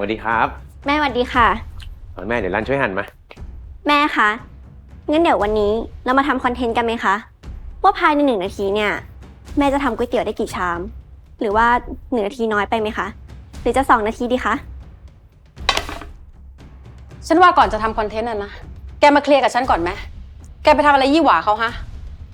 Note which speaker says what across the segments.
Speaker 1: ดีครับ
Speaker 2: แม่สวัสดีค่ะ
Speaker 1: แม่เดี๋ยวรันช่วยหั่นมา
Speaker 2: แม่คะงั้นเดี๋ยววันนี้เรามาทำคอนเทนต์กันไหมคะว่าภายใน1 นาทีเนี่ยแม่จะทำก๋วยเตี๋ยวได้กี่ชามหรือว่า1 นาทีน้อยไปไหมคะหรือจะ2 นาทีดีคะ
Speaker 3: ฉันว่าก่อนจะทำคอนเทนต์นะแกมาเคลียร์กับฉันก่อนไหมแกไปทำอะไรยี่หว่าเขาฮะ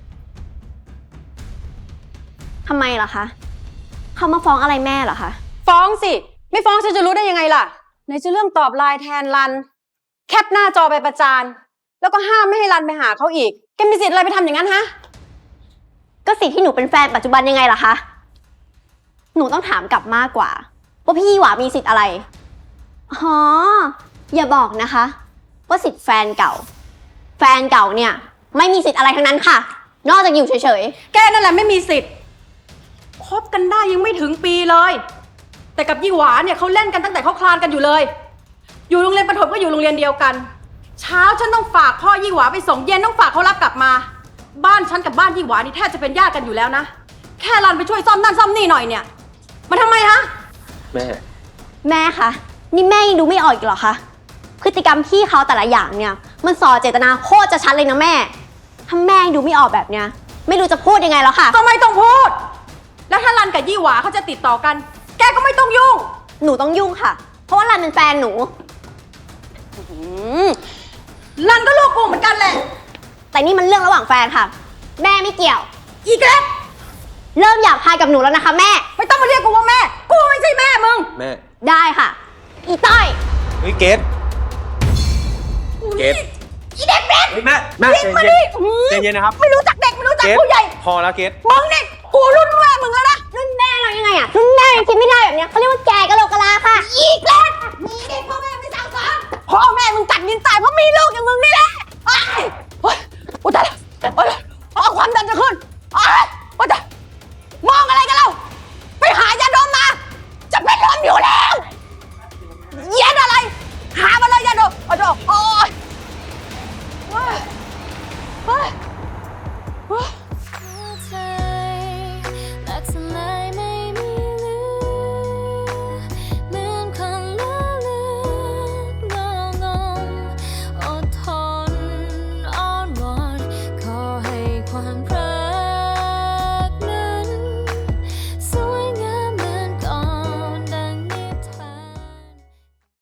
Speaker 2: ทำไมล่ะคะเขามาฟ้องอะไรแม่เหรอคะ
Speaker 3: ฟ้องสิไม่ฟ้องฉันจะรู้ได้ยังไงล่ะไหนจะเรื่องตอบไลน์แทนรันแคปหน้าจอไปประจานแล้วก็ห้ามไม่ให้รันไปหาเขาอีกแกมีสิทธิ์อะไรไปทำอย่างนั้นฮะ
Speaker 2: ก็สิทธิ์ที่หนูเป็นแฟนปัจจุบันยังไงล่ะคะหนูต้องถามกลับมากกว่าว่าพี่หวามีสิทธิ์อะไรอ๋ออย่าบอกนะคะว่าสิทธิ์แฟนเก่าเนี่ยไม่มีสิทธิ์อะไรทั้งนั้นค่ะนอกจากอยู่เฉย
Speaker 3: ๆแกนั่นแหละไม่มีสิทธิ์คบกันได้ยังไม่ถึงปีเลยแต่กับยี่หวาเนี่ยเขาเล่นกันตั้งแต่เขาคลานกันอยู่เลยอยู่โรงเรียนประถมก็อยู่โรงเรียนเดียวกันเช้าฉันต้องฝากพ่อยี่หวาไปส่งเย็นต้องฝากเขารับกลับมาบ้านฉันกับบ้านยี่หวานี่แทบจะเป็นญาติกันอยู่แล้วนะแค่รันไปช่วยซ่อมนั่นซ่อมนี่หน่อยเนี่ยมาทำไมฮะ
Speaker 1: แม่
Speaker 2: คะนี่แม่ยังดูไม่ออกอีกเหรอคะพฤติกรรมพี่เขาแต่ละอย่างเนี่ยมันส่อเจตนาโคตรจะชัดเลยนะแม่ถ้าแม่ยังดูไม่ออกแบบเนี้ยไม่รู้จะพูดยังไงแล้วค่ะ
Speaker 3: ก็ไม่ต้องพูดแล้วถ้ารันกับยี่หวาเขาจะติดต่อกันแกก็ไม่ต้องยุ่ง
Speaker 2: หนูต้องยุ่งค่ะเพราะว่ารันเป็นแฟนหนู
Speaker 3: รันก็ลูกกูเหมือนกันแหละ
Speaker 2: แต่นี่มันเรื่องระหว่างแฟนค่ะแม่ไม่เกี่ยว
Speaker 3: อีกแล้ว
Speaker 2: เริ่มอยากพายกับหนูแล้วนะคะแม่
Speaker 3: ไม่ต้องมาเรียกกูว่าแม่กูไม่ใช่แม่มึง
Speaker 1: แม่
Speaker 2: ได้ค่ะอีต้อย
Speaker 1: เฮ้ยเกด
Speaker 3: อีเด็กเบส
Speaker 1: แม่ใจเย็นนะครับ
Speaker 3: ไม่รู้จักเด็กไม่รู้จักผู้ใหญ่
Speaker 1: พอแล้วเกด
Speaker 3: มึงนี่กูรุ่นแม่มึงแล้วนะ
Speaker 2: รุ่นแม่เรายังไงอะรุ่นแม่ยังคิดไม่ได้แบบเนี้ยเขาเรียกว่าแกกะโหลกกะลาค่ะ
Speaker 3: อีกแล้วมีเด็กพ่อแม่ไม่สั่งสอนพ่อแม่มึงตัดดินตายเพราะมีลูกอย่างมึงนี่แหละ